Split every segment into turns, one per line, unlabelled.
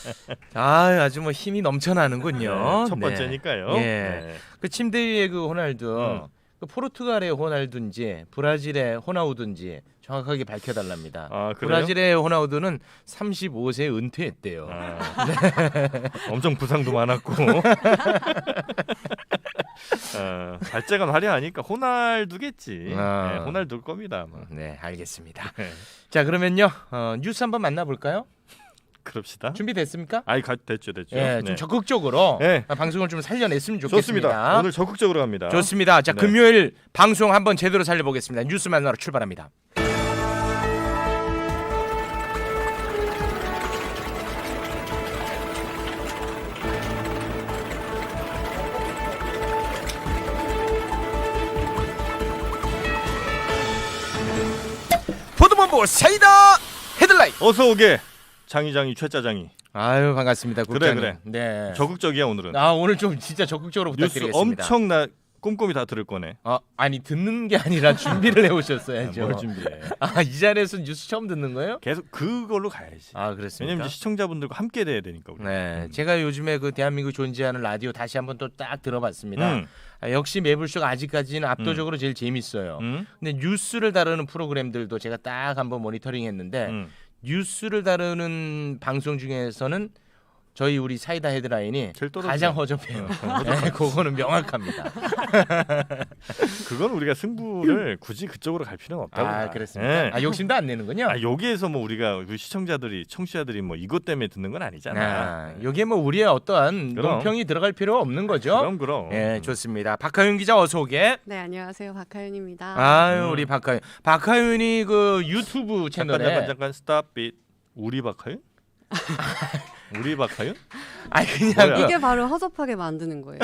아주 뭐 힘이 넘쳐나는군요.
네, 첫 번째니까요.
예.
네.
그 침대 위에 그 호날두, 그 포르투갈의 호날두인지 브라질의 호나우두인지 정확하게 밝혀달랍니다.
아, 그래요?
브라질의 호나우두는 35세에 은퇴했대요.
엄청 부상도 많았고 발재간 화려하니까 호날두겠지. 네, 호날두일 겁니다. 아마.
네, 알겠습니다.
네.
자, 그러면요 뉴스 한번 만나볼까요?
그럽시다.
준비됐습니까?
됐죠.
예, 좀
네.
적극적으로
네.
방송을 좀 살려냈으면 좋겠습니다.
좋습니다. 오늘 적극적으로 갑니다.
좋습니다. 자,
네.
금요일 방송 한번 제대로 살려보겠습니다. 뉴스 만나러 출발합니다. 보도본부 사이다 헤드라인.
어서 오게 장이장이 최짜장이.
아유, 반갑습니다. 국장님.
그래.
네.
적극적이야 오늘은.
오늘 좀 진짜 적극적으로
뉴스
부탁드리겠습니다.
엄청 꼼꼼히 다 들을 거네.
아니 듣는 게 아니라 준비를 해오셨어야죠.
뭘 준비해?
이 자리에서 뉴스 처음 듣는 거예요?
계속 그걸로 가야지.
그렇습니까?
왜냐면 이제 시청자분들과 함께 돼야 되니까. 우리.
네, 제가 요즘에 그 대한민국 존재하는 라디오 다시 한번 또 딱 들어봤습니다. 역시 매불쇼가 아직까지는 압도적으로 제일 재밌어요. 근데 뉴스를 다루는 프로그램들도 제가 딱 한번 모니터링했는데 뉴스를 다루는 방송 중에서는 저희 우리 사이다 헤드라인이
제일 떨어지네.
가장 허접해요. 네, 그거는 명확합니다.
그건 우리가 승부를 굳이 그쪽으로 갈 필요는 없다고. 봐.
그렇습니까?
네.
욕심도 안 내는군요.
여기에서 뭐 우리가 우리 시청자들이 청취자들이 뭐 이것 때문에 듣는 건 아니잖아.
여기에 뭐 우리의 어떠한
그럼.
논평이 들어갈 필요 없는 거죠.
그럼.
예, 좋습니다. 박하윤 기자 어서 오게.
네, 안녕하세요. 박하윤입니다.
우리 박하윤. 박하윤이 그 유튜브 채널에
잠깐 스탑 빛. 우리 박하윤? 우리 박하윤?
그냥
뭐야?
이게 바로 허접하게 만드는 거예요.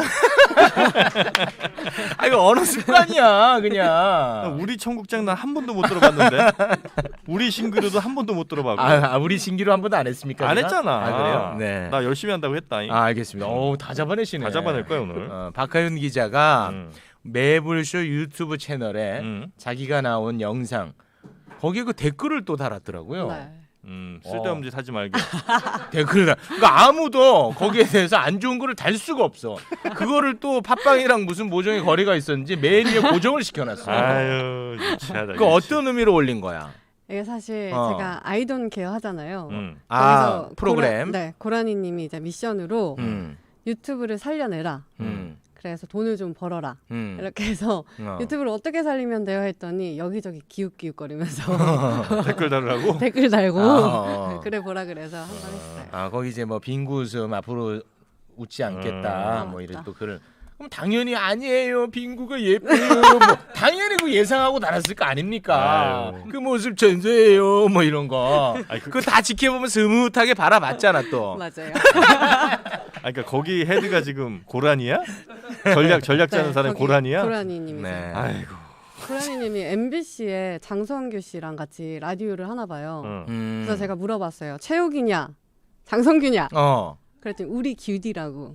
이거 언어 습관이야, 그냥.
우리 청국장 난 한 번도 못 들어봤는데. 우리 신기루도 한 번도 못 들어봤고.
우리 신기로 한 번도 안 했습니까?
안
제가?
했잖아.
그래요? 네.
나 열심히 한다고 했다.
알겠습니다. 다 잡아내시네.
다 잡아낼 거야 오늘.
박하윤 기자가 매불쇼 유튜브 채널에 자기가 나온 영상 거기에 그 댓글을 또 달았더라고요.
네.
쓸데없는 짓 하지 말게.
댓글을 그러니까 아무도 거기에 대해서 안 좋은 거를 달 수가 없어. 그거를 또 팟빵이랑 무슨 모종의 거리가 있었는지 매일 고정을 시켜놨어.
아유, 유치하다.
그 어떤 의미로 올린 거야?
이게 사실 제가 아이돈 케어 하잖아요.
아, 프로그램.
고라니님이 이제 미션으로
음.
유튜브를 살려내라. 그래서 돈을 좀 벌어라. 이렇게 해서 유튜브를 어떻게 살리면 돼요 했더니 여기저기 기웃기웃거리면서
댓글 달으라고?
댓글 달고 그래 보라 그래서 한번 했어요.
거기 이제 뭐 빙구웃음 앞으로 웃지 않겠다 뭐 이런 또 글을 그럼 당연히 아니에요 빙구가 예뻐요 뭐 당연히 그 예상하고 달았을 거 아닙니까?
아유.
그 모습 전세예요 뭐 이런 거
아니,
그거 다 지켜보면 스무하게 바라봤잖아 또.
맞아요.
그러니까 거기 헤드가 지금 고라니야? 전략 짜는 사람이
거기
고라니야?
고라니님이죠.
네.
아이고.
고라니님이 MBC에 장성규 씨랑 같이 라디오를 하나 봐요. 그래서 제가 물어봤어요. 최욱이냐, 장성규냐? 그랬더니 우리 규디라고.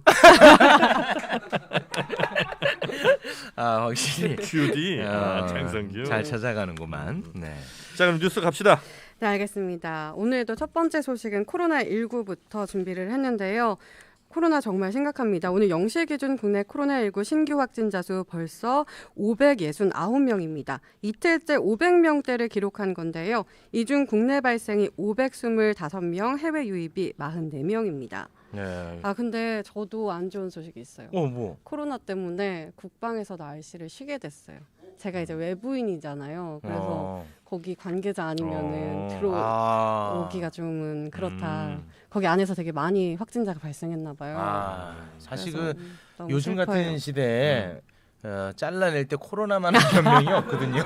확실히
큐디. 장성규.
잘 찾아가는구만. 네.
자 그럼 뉴스 갑시다.
네, 알겠습니다. 오늘도 첫 번째 소식은 코로나19부터 준비를 했는데요. 코로나 정말 심각합니다. 오늘 0시 기준 국내 코로나19 신규 확진자 수 벌써 569명입니다. 이틀째 500명대를 기록한 건데요. 이 중 국내 발생이 525명, 해외 유입이 44명입니다.
네.
근데 저도 안 좋은 소식이 있어요.
뭐?
코로나 때문에 국방에서 날씨를 쉬게 됐어요. 제가 이제 외부인이잖아요. 그래서 거기 관계자 아니면은 들어오기가 좀 그렇다. 거기 안에서 되게 많이 확진자가 발생했나 봐요.
사실
그래서
그
너무
요즘
슬퍼요.
같은 시대에 잘라낼 때 코로나만한 변명이 없거든요.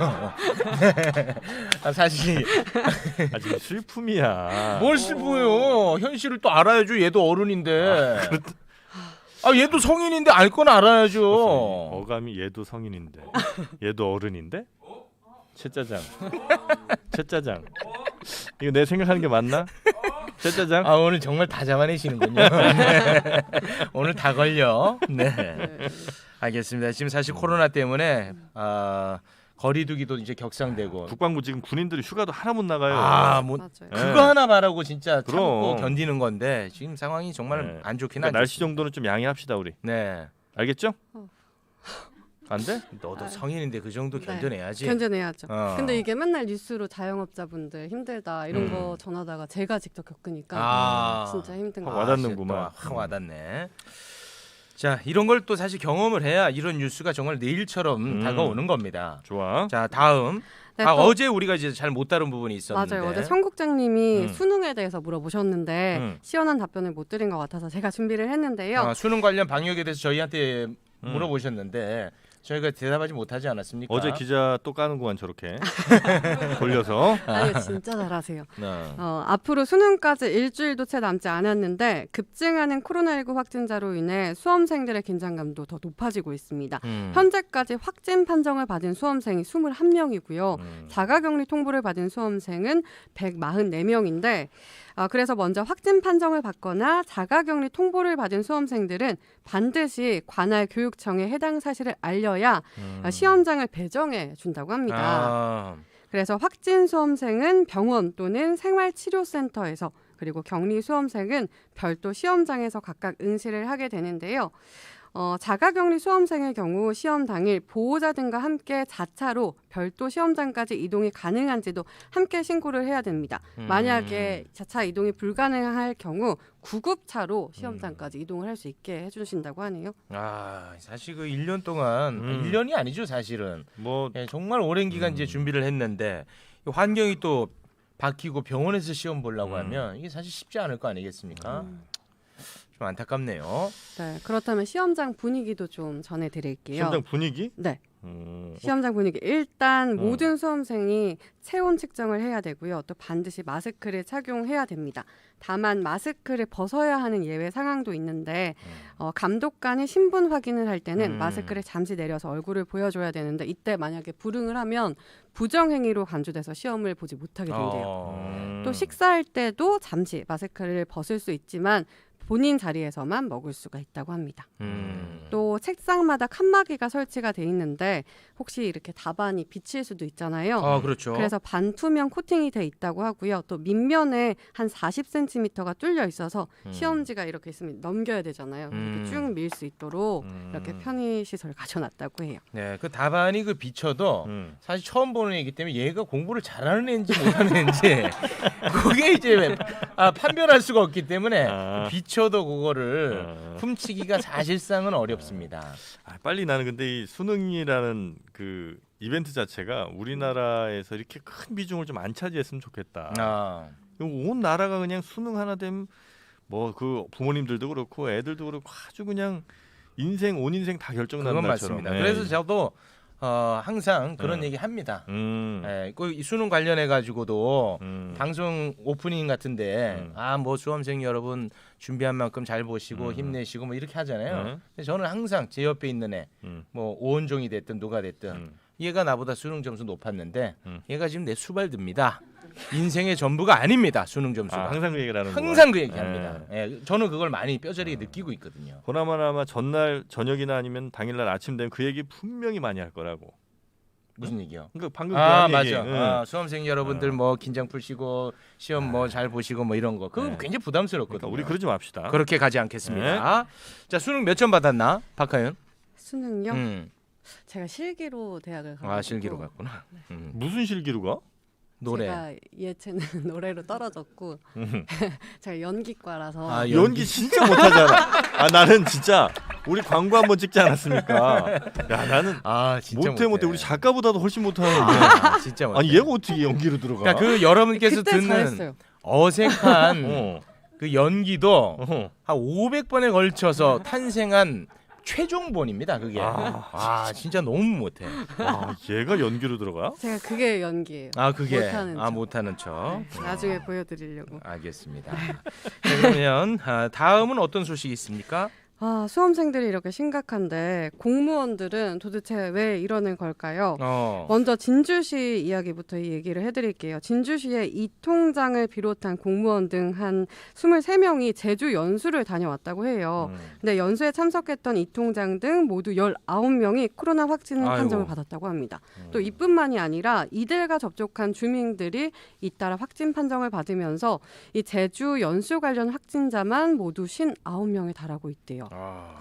사실
아직 슬픔이야.
뭘 슬퍼요. 현실을 또 알아야죠. 얘도 어른인데. 얘도 성인인데 알 건 알아야죠.
어감이 얘도 성인인데 얘도 어른인데? 채짜장. 이거 내 생각하는 게 맞나? 채짜장?
오늘 정말 다 잡아내시는군요. 네. 오늘 다 걸려. 네. 알겠습니다. 지금 사실 코로나 때문에 거리두기도 이제 격상되고.
국방부 지금 군인들이 휴가도 하나 못 나가요.
아, 뭐
맞아요.
그거 하나 말하고 진짜 참고
그럼.
견디는 건데 지금 상황이 정말
네.
안 좋긴
그러니까
하죠.
날씨 정도는 좀 양해합시다 우리.
네.
알겠죠?
안 돼? 너도 성인인데 그 정도
네.
견뎌내야지.
견뎌내야죠.
어.
근데 이게 맨날 뉴스로 자영업자분들 힘들다 이런 거 전하다가 제가 직접 겪으니까 진짜 힘든 거
확 와닿는구만.
확 와닿네. 자, 이런 걸 또 사실 경험을 해야 이런 뉴스가 정말 내일처럼 다가오는 겁니다.
좋아.
자, 다음.
네,
아,
또-
어제 우리가 이제 잘 못 다룬 부분이 있었는데.
맞아요. 어제 청국장님이
음.
수능에 대해서 물어보셨는데
음.
시원한 답변을 못 드린 것 같아서 제가 준비를 했는데요.
수능 관련 방역에 대해서 저희한테 물어보셨는데 저희가 대답하지 못하지 않았습니까?
어제 기자 또 까는구만 저렇게 돌려서.
아니 진짜 잘하세요.
네.
앞으로 수능까지 일주일도 채 남지 않았는데 급증하는 코로나19 확진자로 인해 수험생들의 긴장감도 더 높아지고 있습니다. 현재까지 확진 판정을 받은 수험생이 21명이고요. 자가격리 통보를 받은 수험생은 144명인데 그래서 먼저 확진 판정을 받거나 자가격리 통보를 받은 수험생들은 반드시 관할 교육청에 해당 사실을 알려야 시험장을 배정해 준다고 합니다.
아,
그래서 확진 수험생은 병원 또는 생활치료센터에서 그리고 격리 수험생은 별도 시험장에서 각각 응시를 하게 되는데요. 자가격리 수험생의 경우 시험 당일 보호자 등과 함께 자차로 별도 시험장까지 이동이 가능한지도 함께 신고를 해야 됩니다. 만약에 자차 이동이 불가능할 경우 구급차로 시험장까지 이동을 할 수 있게 해주신다고 하네요.
사실 그 1년 동안 1년이 아니죠, 사실은.
뭐
예, 정말 오랜 기간 이제 준비를 했는데 이 환경이 또 바뀌고 병원에서 시험 보려고 하면 이게 사실 쉽지 않을 거 아니겠습니까? 좀 안타깝네요.
네, 그렇다면 시험장 분위기도 좀 전해드릴게요.
시험장 분위기?
네. 시험장 분위기 일단 모든 수험생이 체온 측정을 해야 되고요. 또 반드시 마스크를 착용해야 됩니다. 다만 마스크를 벗어야 하는 예외 상황도 있는데 감독관이 신분 확인을 할 때는 마스크를 잠시 내려서 얼굴을 보여줘야 되는데 이때 만약에 불응을 하면 부정행위로 간주돼서 시험을 보지 못하게 된대요. 또 식사할 때도 잠시 마스크를 벗을 수 있지만 본인 자리에서만 먹을 수가 있다고 합니다. 또 책상마다 칸막이가 설치가 돼 있는데 혹시 이렇게 답안이 비칠 수도 있잖아요.
그렇죠.
그래서 반투명 코팅이 돼 있다고 하고요. 또 밑면에 한 40cm가 뚫려 있어서 시험지가 이렇게 있으면 넘겨야 되잖아요. 이렇게 쭉 밀 수 있도록 이렇게 편의 시설 가져놨다고 해요.
네, 그 답안이 그 비춰도 사실 처음 보는 애이기 때문에 얘가 공부를 잘하는 애인지 못하는 애인지 그게 이제 판별할 수가 없기 때문에 비춰도 그거를 훔치기가 사실상은 어렵습니다.
빨리 나는 근데 이 수능이라는 그 이벤트 자체가 우리나라에서 이렇게 큰 비중을 좀 안 차지했으면 좋겠다. 온 나라가 그냥 수능 하나 되면 뭐 그 부모님들도 그렇고 애들도 그렇고 아주 그냥 온 인생 다 결정나는
그건
날처럼.
맞습니다.
네.
그래서 저도 항상 그런 얘기 합니다. 이 수능 관련해 가지고도 방송 오프닝 같은데 뭐 수험생 여러분 준비한 만큼 잘 보시고 힘내시고 뭐 이렇게 하잖아요. 근데 저는 항상 제 옆에 있는 애 뭐 오은종이 됐든 누가 됐든 얘가 나보다 수능 점수 높았는데 얘가 지금 내 수발듭니다. 인생의 전부가 아닙니다. 수능 점수가.
항상 그 얘기를 하는
항상 그 얘기합니다. 예, 저는 그걸 많이 뼈저리게 느끼고 있거든요.
보나마나 전날 저녁이나 아니면 당일날 아침 되면 그 얘기 분명히 많이 할 거라고.
무슨 얘기요?
그러니까 방금 그 얘기.
맞아. 수험생 여러분들 뭐 긴장 풀시고 시험 뭐 잘 보시고 뭐 이런 거 그거 굉장히 부담스럽거든요.
그러니까 우리 그러지 맙시다.
그렇게 가지 않겠습니다. 자, 수능 몇 점 받았나? 박하연?
수능요? 제가 실기로 대학을 가고
실기로 갔구나.
무슨 실기로 가?
노래.
제가 예체능 노래로 떨어졌고 제가 연기과라서
연기 진짜 못하잖아. 나는 진짜 우리 광고 한번 찍지 않았습니까? 야 나는
진짜
못해. 우리 작가보다도 훨씬 못하는데.
진짜 못해.
아니 얘가 어떻게 연기로 들어가?
그러니까 그 여러분께서
그때
듣는
잘했어요.
어색한 그 연기도 한 500번에 걸쳐서 탄생한 최종본입니다. 그게. 진짜 너무 못해.
얘가 연기로 들어가?
제가 그게 연기예요.
그게
못하는 척.
못하는 척.
나중에 보여드리려고.
알겠습니다. 자, 그러면 다음은 어떤 소식이 있습니까?
수험생들이 이렇게 심각한데 공무원들은 도대체 왜 이러는 걸까요? 먼저 진주시 이야기부터 이 얘기를 해드릴게요. 진주시의 이 통장을 비롯한 공무원 등 한 23명이 제주 연수를 다녀왔다고 해요. 근데 연수에 참석했던 이 통장 등 모두 19명이 코로나 확진 판정을 받았다고 합니다. 또 이뿐만이 아니라 이들과 접촉한 주민들이 잇따라 확진 판정을 받으면서 이 제주 연수 관련 확진자만 모두 59명에 달하고 있대요.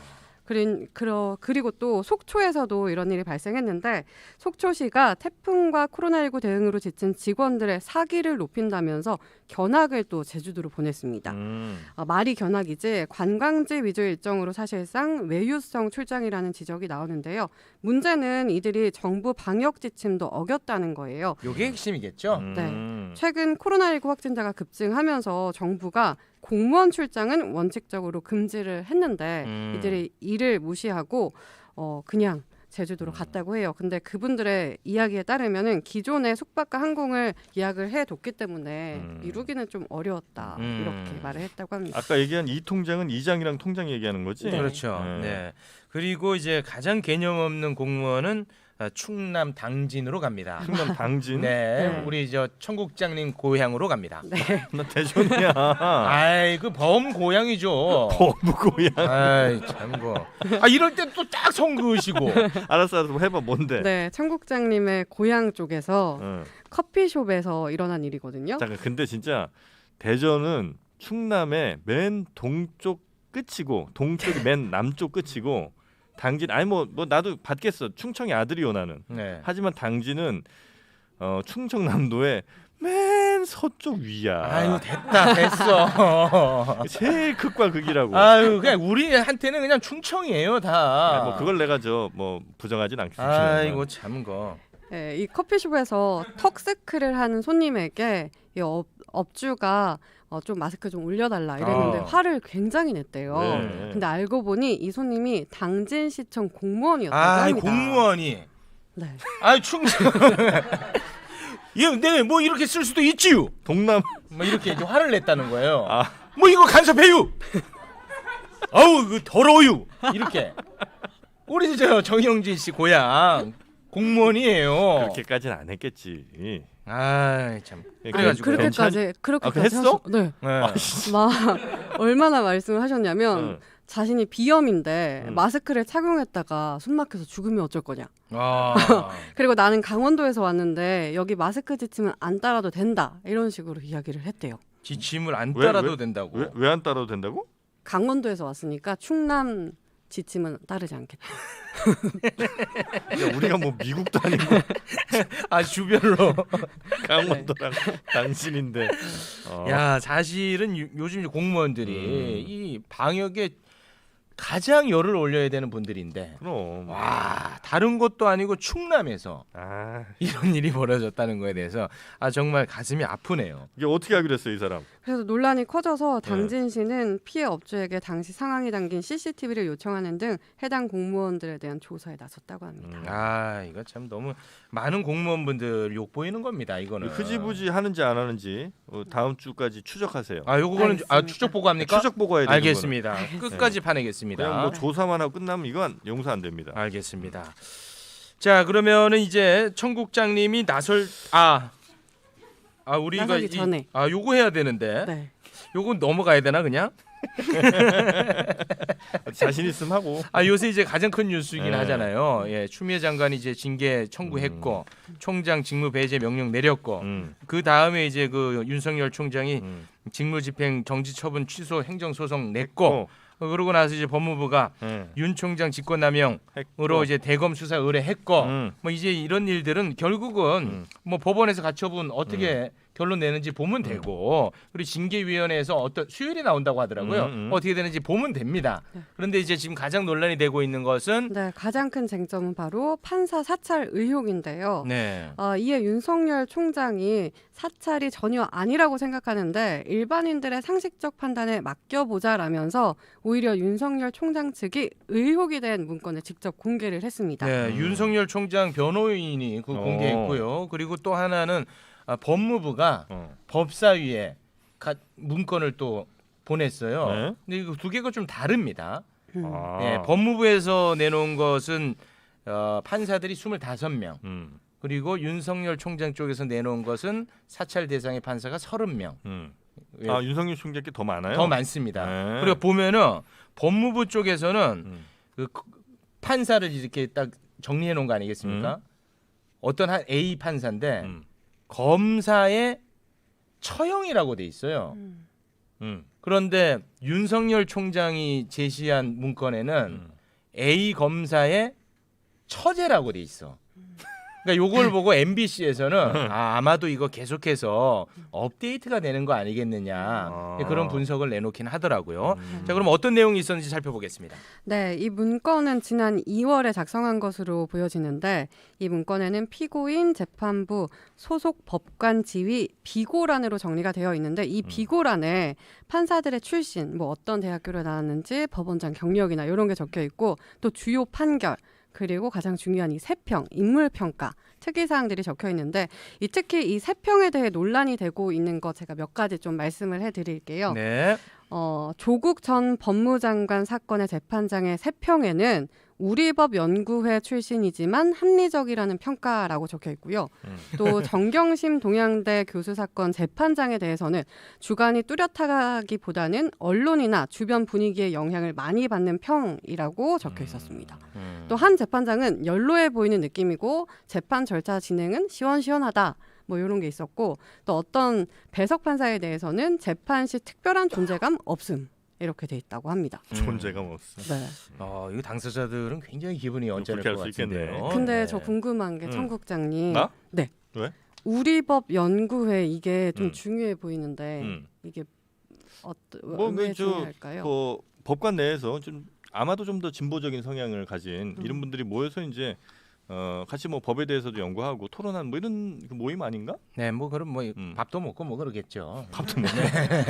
그리고 또 속초에서도 이런 일이 발생했는데 속초시가 태풍과 코로나19 대응으로 지친 직원들의 사기를 높인다면서 견학을 또 제주도로 보냈습니다. 말이 견학이지 관광지 위주 일정으로 사실상 외유성 출장이라는 지적이 나오는데요. 문제는 이들이 정부 방역 지침도 어겼다는 거예요.
이게 핵심이겠죠?
네. 최근 코로나19 확진자가 급증하면서 정부가 공무원 출장은 원칙적으로 금지를 했는데 이들이 이를 무시하고 그냥 제주도로 갔다고 해요. 근데 그분들의 이야기에 따르면은 기존에 숙박과 항공을 예약을 해뒀기 때문에 미루기는 좀 어려웠다 이렇게 말을 했다고 합니다.
아까 얘기한 이 통장은 이장이랑 통장 얘기하는 거지?
네.
그렇죠. 네. 그리고 이제 가장 개념 없는 공무원은 충남 당진으로 갑니다.
충남 당진?
네, 우리 저 청국장님 고향으로 갑니다.
네.
나 대전이야.
아이 그 범 고향이죠.
범 고향.
아이 참고. 이럴 때 또 딱 성그으시고.
알았어, 해봐. 뭔데?
네, 청국장님의 고향 쪽에서 커피숍에서 일어난 일이거든요.
잠깐, 근데 진짜 대전은 충남의 맨 동쪽 끝이고 동쪽이 맨 남쪽 끝이고 당진 뭐 나도 받겠어. 충청의 아들이요 나는.
네.
하지만 당진은 충청남도의 맨 서쪽 위야.
아유 됐어.
제일 극과 극이라고.
아유 그냥 우리한테는 그냥 충청이에요 다.
뭐 그걸 내가 부정하진 않겠습니다.
아이고 참거.
네, 이 커피숍에서 턱스크를 하는 손님에게 이 업주가 좀 마스크 좀 올려달라 이랬는데 화를 굉장히 냈대요.
네.
근데 알고 보니 이 손님이 당진시청 공무원이었다고 합니다.
공무원이.
네.
충청. 네, 뭐 이렇게 쓸 수도 있지요.
동남.
뭐 이렇게 이제 화를 냈다는 거예요. 뭐 이거 간섭해요. 아우 그 더러워요. 이렇게. 우리 저 정영진 씨 고향 공무원이에요.
그렇게까지는 안 했겠지.
참.
그렇게까지
했어?
네. 막 얼마나 말씀을 하셨냐면 자신이 비염인데 마스크를 착용했다가 숨 막혀서 죽으면 어쩔 거냐. 그리고 나는 강원도에서 왔는데 여기 마스크 지침은 안 따라도 된다. 이런 식으로 이야기를 했대요.
지침을 안 따라도 된다고?
왜 안 따라도 된다고?
강원도에서 왔으니까 충남 지침은 따르지 않겠다.
야, 우리가 뭐 미국도 아니고
주별로
강원도랑 당신인데.
야 사실은 요즘 공무원들이 이 방역에 가장 열을 올려야 되는 분들인데
그럼
다른 곳도 아니고 충남에서 이런 일이 벌어졌다는 거에 대해서 정말 가슴이 아프네요.
이게 어떻게 하기로 했어요, 이 사람?
그래서 논란이 커져서 당진시는 피해 업주에게 당시 상황이 담긴 CCTV를 요청하는 등 해당 공무원들에 대한 조사에 나섰다고 합니다.
이거 참 너무 많은 공무원분들 욕 보이는 겁니다. 이거는
흐지부지 하는지 안 하는지 다음 주까지 추적하세요.
요거는 추적 보고합니까?
추적 보고해야 돼요.
알겠습니다. 끝까지 파내겠습니다.
그냥 뭐 조사만 하고 끝나면 이건 용서 안 됩니다.
알겠습니다. 자 그러면은 이제 청국장님이 우리가
나서기 전에
요거 해야 되는데
네.
요거 넘어가야 되나 그냥?
자신 있으면 하고.
요새 이제 가장 큰 뉴스이긴 하잖아요. 추미애 장관이 이제 징계 청구했고 총장 직무 배제 명령 내렸고 그 다음에 이제 그 윤석열 총장이 직무집행 정지 처분 취소 행정소송 냈고 그러고 나서 이제 법무부가 윤 총장 직권남용으로 이제 대검 수사 의뢰했고 뭐 이제 이런 일들은 결국은 뭐 법원에서 가처분 어떻게 결론 내는지 보면 되고 그리고 징계위원회에서 어떤 수율이 나온다고 하더라고요. 어떻게 되는지 보면 됩니다. 그런데 이제 지금 가장 논란이 되고 있는 것은
가장 큰 쟁점은 바로 판사 사찰 의혹인데요.
네.
이에 윤석열 총장이 사찰이 전혀 아니라고 생각하는데 일반인들의 상식적 판단에 맡겨보자라면서 오히려 윤석열 총장 측이 의혹이 된 문건을 직접 공개를 했습니다.
네, 윤석열 총장 변호인이 공개했고요. 그리고 또 하나는 법무부가 법사위에 문건을 또 보냈어요. 근데 이거 두 개가 좀 다릅니다. 예, 법무부에서 내놓은 것은 판사들이 25명. 그리고 윤석열 총장 쪽에서 내놓은 것은 사찰 대상의 판사가 30명. 예.
아, 윤석열 총장께 더 많아요?
더 많습니다.
네.
그리고 보면은 법무부 쪽에서는 그 판사를 이렇게 딱 정리해 놓은 거 아니겠습니까? 어떤 한 A 판사인데 검사의 처형이라고 돼 있어요. 그런데 윤석열 총장이 제시한 문건에는 A 검사의 처제라고 돼 있어. 그러니까 요걸 보고 MBC에서는 아마도 이거 계속해서 업데이트가 되는 거 아니겠느냐 그런 분석을 내놓긴 하더라고요. 자, 그럼 어떤 내용이 있었는지 살펴보겠습니다.
네, 이 문건은 지난 2월에 작성한 것으로 보여지는데 이 문건에는 피고인, 재판부, 소속 법관 지위, 비고란으로 정리가 되어 있는데 이 비고란에 판사들의 출신, 뭐 어떤 대학교를 나왔는지, 법원장 경력이나 이런 게 적혀 있고 또 주요 판결, 그리고 가장 중요한 이 세평, 인물평가, 특이사항들이 적혀 있는데 특히 이 세평에 대해 논란이 되고 있는 거 제가 몇 가지 좀 말씀을 해드릴게요.
네.
조국 전 법무장관 사건의 재판장의 세평에는 우리법 연구회 출신이지만 합리적이라는 평가라고 적혀 있고요. 또 정경심 동양대 교수 사건 재판장에 대해서는 주관이 뚜렷하기보다는 언론이나 주변 분위기에 영향을 많이 받는 평이라고 적혀 있었습니다. 또 한 재판장은 연로해 보이는 느낌이고 재판 절차 진행은 시원시원하다. 뭐 이런 게 있었고 또 어떤 배석 판사에 대해서는 재판 시 특별한 존재감 없음. 이렇게 돼 있다고 합니다.
존재감 없어.
네.
이거 당사자들은 굉장히 기분이 언짢을 것 같은데요.
근데
네.
저 궁금한 게 청국장님.
나?
네.
왜?
우리법 연구회 이게 좀 중요해 보이는데 이게 왜 중요할까요?
뭐 법관 내에서 좀 아마도 좀 더 진보적인 성향을 가진 이런 분들이 모여서 이제 같이 뭐 법에 대해서도 연구하고 토론한 뭐 이런 그 모임 아닌가?
네, 뭐 그럼 뭐 밥도 먹고 뭐 그러겠죠.
밥도 먹네.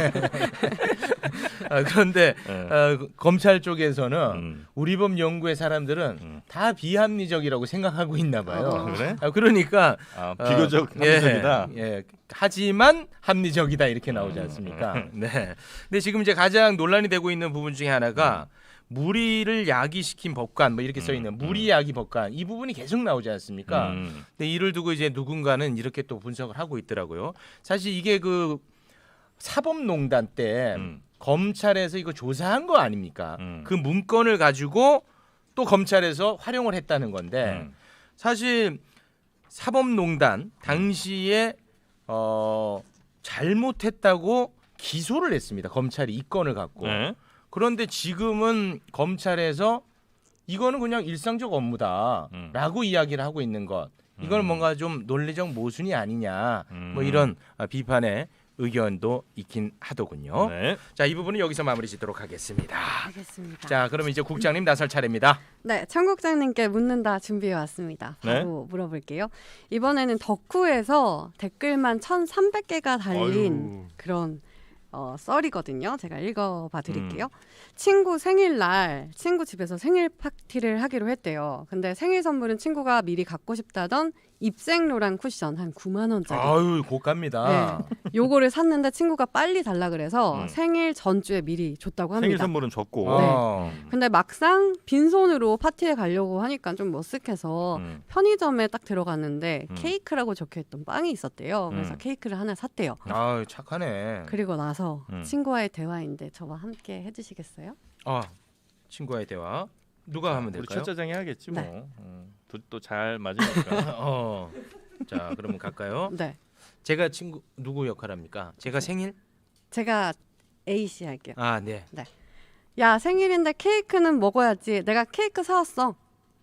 그런데 검찰 쪽에서는 우리법 연구의 사람들은 다 비합리적이라고 생각하고 있나 봐요.
그래?
그러니까
비교적 합리적이다.
예, 하지만 합리적이다 이렇게 나오지 않습니까? 네. 근데 지금 이제 가장 논란이 되고 있는 부분 중에 하나가 무리를 야기시킨 법관 뭐 이렇게 써 있는 무리 야기 법관 이 부분이 계속 나오지 않습니까? 근데 이를 두고 이제 누군가는 이렇게 또 분석을 하고 있더라고요. 사실 이게 그 사법농단 때 검찰에서 이거 조사한 거 아닙니까? 그 문건을 가지고 또 검찰에서 활용을 했다는 건데 사실 사법농단 당시에 잘못했다고 기소를 했습니다. 검찰이 이 건을 갖고.
네.
그런데 지금은 검찰에서 이거는 그냥 일상적 업무다라고 이야기를 하고 있는 것. 이건 뭔가 좀 논리적 모순이 아니냐. 뭐 이런 비판의 의견도 있긴 하더군요.
네.
자, 이 부분은 여기서 마무리 짓도록 하겠습니다.
알겠습니다.
자, 그럼 이제 국장님 나설 차례입니다.
네, 청국장님께 묻는다 준비해 왔습니다. 바로 물어볼게요. 이번에는 덕후에서 댓글만 1,300개가 달린 그런 썰이거든요. 제가 읽어봐 드릴게요. 친구 생일날 친구 집에서 생일 파티를 하기로 했대요. 근데 생일 선물은 친구가 미리 갖고 싶다던 입생로랑 쿠션 한 9만 원짜리.
아유, 고가입니다.
네, 요거를 샀는데 친구가 빨리 달라 그래서 생일 전주에 미리 줬다고 합니다.
생일 선물은 줬고.
네. 근데 막상 빈손으로 파티에 가려고 하니까 좀 머쓱해서 편의점에 딱 들어갔는데 케이크라고 적혀있던 빵이 있었대요. 그래서 케이크를 하나 샀대요.
아유, 착하네.
그리고 나서 친구와의 대화인데 저와 함께 해주시겠어요?
친구와의 대화. 누가 하면
우리
될까요?
첫짜장이 하겠지 뭐.
네.
또 잘 맞으니까.
자, 그러면 갈까요?
네.
제가 친구 누구 역할 합니까? 제가 생일?
제가 A 씨 할게요.
네.
야, 생일인데 케이크는 먹어야지. 내가 케이크 사왔어.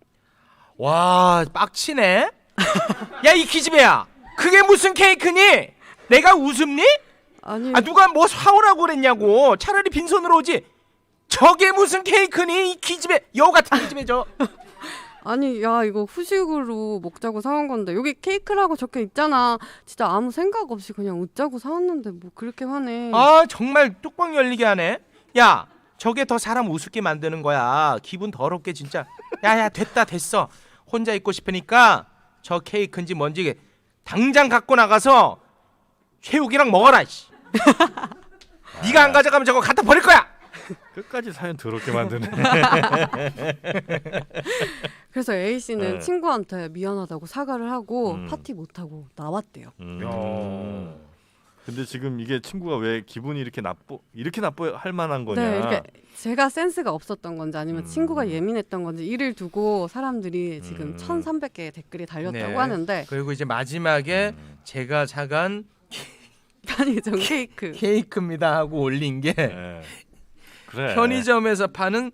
와, 빡치네. 야, 이 기집애야. 그게 무슨 케이크니? 내가 웃음니?
아니.
누가 뭐 사오라고 그랬냐고. 차라리 빈손으로 오지. 저게 무슨 케이크니? 이 기집애. 여우 같은 기집애 저.
아니, 야, 이거 후식으로 먹자고 사온 건데 여기 케이크라고 적혀 있잖아. 진짜 아무 생각 없이 그냥 웃자고 사왔는데 뭐 그렇게 화내.
정말 뚜껑 열리게 하네. 야, 저게 더 사람 우습게 만드는 거야. 기분 더럽게 진짜. 야야, 됐어. 혼자 있고 싶으니까 저 케이크인지 뭔지 당장 갖고 나가서 최욱이랑 먹어라. 네가 안 가져가면 저거 갖다 버릴 거야.
끝까지 사연 더럽게 만드네.
그래서 A 씨는
네.
친구한테 미안하다고 사과를 하고 파티 못 하고 나왔대요.
근데 지금 이게 친구가 왜 기분이 이렇게 나빠할 만한 거냐?
네, 이렇게 제가 센스가 없었던 건지 아니면 친구가 예민했던 건지 이를 두고 사람들이 지금 1,300개의 댓글이 달렸다고
네.
하는데
그리고 이제 마지막에 제가 사간
편의점
케이크입니다 하고 올린 게
네. 그래.
편의점에서 파는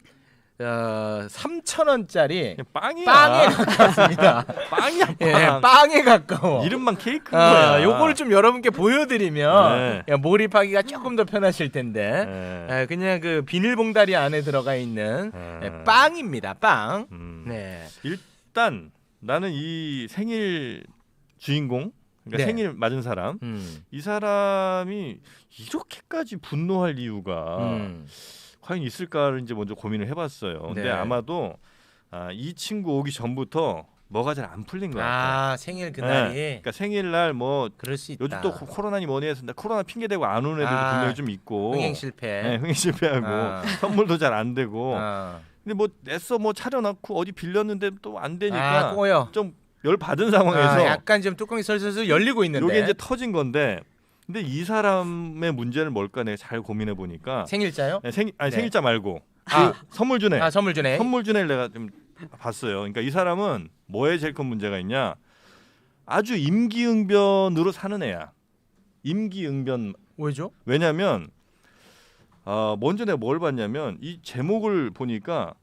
3,000원짜리
빵이야.
빵에 가깝습니다.
빵이야 빵.
예, 빵에 가까워.
이름만 케이크인 거야.
요거를 좀 여러분께 보여드리면
네.
몰입하기가 조금 더 편하실 텐데
네.
그냥 그 비닐봉다리 안에 들어가 있는 빵입니다. 빵. 네.
일단 나는 이 생일 주인공, 그러니까
네.
생일 맞은 사람, 이 사람이 이렇게까지 분노할 이유가 과연 있을까를 이제 먼저 고민을 해봤어요. 근데
네.
아마도 이 친구 오기 전부터 뭐가 잘 안 풀린 것 같아요.
생일 그날이.
그러니까 생일날 뭐
그럴 수 있다.
요즘 또 코로나니 뭐니 해서 코로나 핑계 대고 안 오는 애들도 분명히 좀 있고
흥행 실패.
네, 흥행 실패하고 선물도 잘 안 되고 근데 뭐 애써 뭐 차려놓고 어디 빌렸는데 또 안 되니까
꼬여.
좀 열 받은 상황에서
약간 좀 뚜껑이 설설설 열리고 있는데.
이게 이제 터진 건데 근데 이 사람의 문제는 뭘까 내가 잘 고민해 보니까
생일자요?
네,
네.
생일자 말고 선물 주네.
선물 주네.
선물 주네를 내가 좀 봤어요. 그러니까 이 사람은 뭐에 제일 큰 문제가 있냐? 아주 임기응변으로 사는 애야. 임기응변.
왜죠?
왜냐면 먼저 내가 뭘 봤냐면 이 제목을 보니까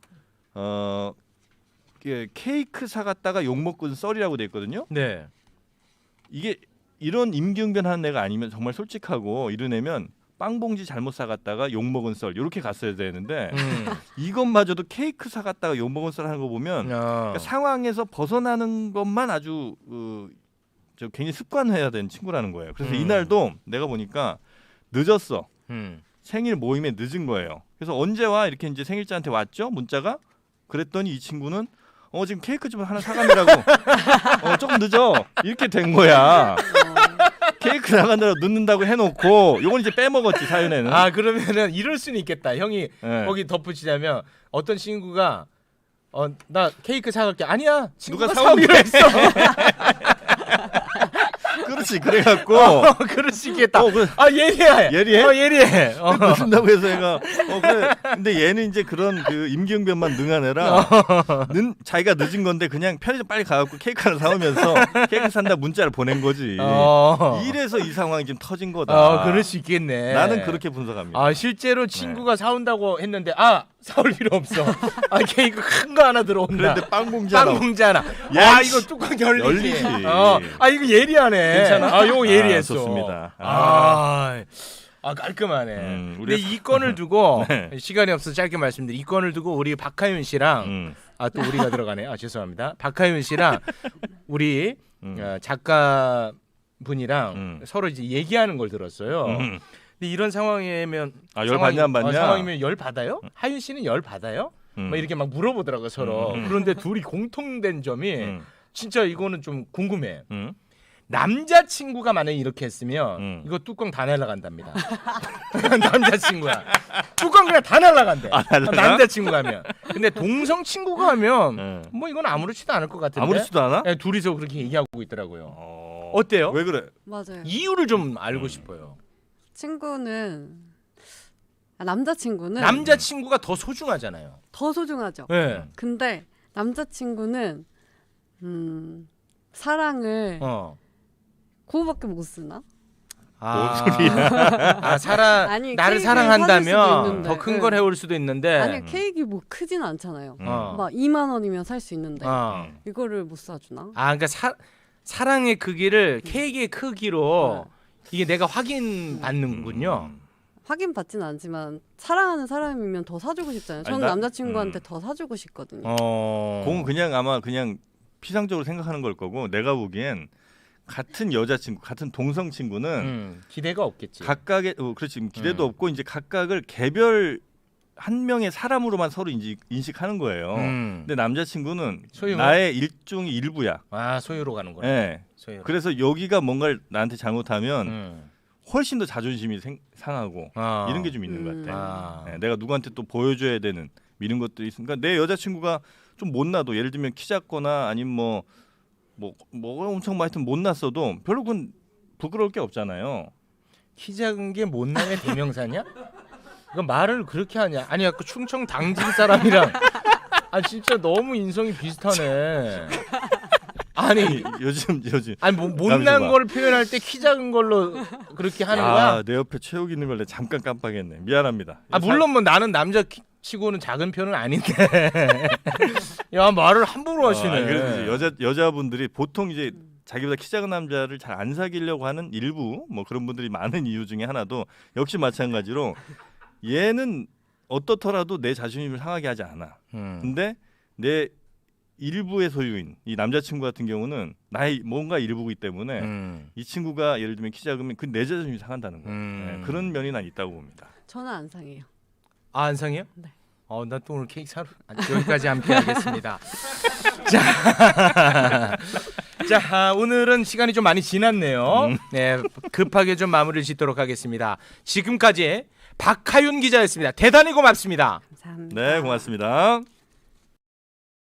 이게 케이크 사갔다가 욕 먹은 썰이라고 돼 있거든요.
네.
이게 이런 임기응변하는 애가 아니면 정말 솔직하고 이런 애면 빵봉지 잘못 사갔다가 욕 먹은 썰 이렇게 갔어야 되는데 이것마저도 케이크 사갔다가 욕 먹은 썰 하는 거 보면 그러니까 상황에서 벗어나는 것만 아주 저 굉장히 습관해야 되는 친구라는 거예요. 그래서 이날도 내가 보니까 늦었어. 생일 모임에 늦은 거예요. 그래서 언제 와 이렇게 이제 생일자한테 왔죠 문자가. 그랬더니 이 친구는 지금 케이크 좀 하나 사가느라고 조금 늦어 이렇게 된 거야. 케이크 나가느라 늦는다고 해놓고 요건 이제 빼먹었지 사연에는.
그러면은 이럴 수는 있겠다. 형이 거기 덧붙이자면 어떤 친구가 나 케이크 사갈게. 아니야. 친구가
누가
사오기로 했어.
그렇지 그래갖고
그럴 수 있겠다.
그래.
예리해.
예리해?
예리해.
늦는다고 해서 얘가 그래. 근데 얘는 이제 그런 그 임기응변만 능한 애라 자기가 늦은 건데 그냥 편의점 빨리 가갖고 케이크 하나 사오면서 케이크 산다 문자를 보낸 거지. 이래서 이 상황이 지금 터진 거다.
그럴 수 있겠네.
나는 그렇게 분석합니다.
실제로 친구가 사온다고 했는데 사올 필요 없어. 케이크 큰 거 하나 들어온다.
그런데 빵봉지 하나.
하나. 이거 뚜껑 열리지. 이거 예리하네.
괜찮아?
요거 예리했어.
좋습니다.
깔끔하네. 근데 이 건을 두고
네.
시간이 없어서 짧게 말씀드리. 이 건을 두고 우리 박하윤 씨랑 또 우리가 들어가네. 죄송합니다. 박하윤 씨랑 우리 작가 분이랑 서로 이제 얘기하는 걸 들었어요. 근데 이런 상황이면
열 받냐 안 받냐?
상황이면 열 받아요? 하윤 씨는 열 받아요? 막 이렇게 막 물어보더라고요 서로. 그런데 둘이 공통된 점이 진짜 이거는 좀 궁금해. 남자친구가 만약에 이렇게 했으면 이거 뚜껑 다 날라간답니다. 남자친구야. 뚜껑 그냥 다 날라간대. 남자친구가 하면. 근데 동성 친구가 하면 뭐 이건 아무렇지도 않을 것 같은데.
아무렇지도 않아?
네, 둘이서 그렇게 얘기하고 있더라고요. 어때요?
왜 그래?
맞아요.
이유를 좀 알고 싶어요. 남자친구가 더 소중하잖아요.
더 소중하죠.
네.
근데 남자친구는 사랑을 그거밖에 못 쓰나?
뭔 소리야?
나를
케이크를
사랑한다면 더
사줄
큰 걸 해올 수도 있는데.
아니 케이크 뭐 크진 않잖아요. 막 2만 원이면 살 수 있는데 이거를 못 사주나?
그러니까 사랑의 크기를 케이크의 크기로 이게 내가 확인받는군요.
확인 받지는 않지만 사랑하는 사람이면 더 사주고 싶잖아요. 저는 남자친구한테 더 사주고 싶거든요.
공은 그냥 아마 그냥 피상적으로 생각하는 걸 거고 내가 보기엔 같은 여자친구, 같은 동성 친구는
기대가 없겠지.
각각의 그렇지 기대도 없고 이제 각각을 개별 한 명의 사람으로만 서로 인식하는 거예요. 근데 남자친구는
소유?
나의 일종의 일부야.
소유로 가는 거네.
네.
소유로.
그래서 여기가 뭔가를 나한테 잘못하면 훨씬 더 자존심이 상하고 이런 게 좀 있는 것 같아. 네, 내가 누구한테 또 보여줘야 되는 이런 것들이 있으니까 내 여자친구가 좀 못나도 예를 들면 키 작거나 아니면 뭐가 엄청 하여튼 못났어도 별로 그건 부끄러울 게 없잖아요.
키 작은 게 못남의 대명사냐? 그 말을 그렇게 하냐? 아니 아까 충청 당진 사람이랑 아 진짜 너무 인성이 비슷하네. 아니
요즘
아니 못난 걸 표현할 때 키 작은 걸로 그렇게 하는 거야?
내 옆에 최욱 있는 걸 내가 잠깐 깜빡했네. 미안합니다.
물론 뭐 나는 남자 치고는 작은 편은 아닌데. 야 말을 함부로 하시네.
그래서 여자분들이 보통 이제 자기보다 키 작은 남자를 잘 안 사귀려고 하는 일부 뭐 그런 분들이 많은 이유 중에 하나도 역시 마찬가지로 얘는 어떻더라도 내 자존심을 상하게 하지 않아. 근데 내 일부의 소유인 이 남자친구 같은 경우는 나의 뭔가 일부이기 때문에 이 친구가 예를 들면 키 작으면 그 내 자존심이 상한다는 거예요. 네, 그런 면이 난 있다고 봅니다.
저는 안 상해요.
안 상해요?
네.
나 또 오늘 케이크 사러 여기까지 함께 하겠습니다. 자, 오늘은 시간이 좀 많이 지났네요. 네, 급하게 좀 마무리를 짓도록 하겠습니다. 지금까지 박하윤 기자였습니다. 대단히 고맙습니다.
감사합니다.
네, 고맙습니다.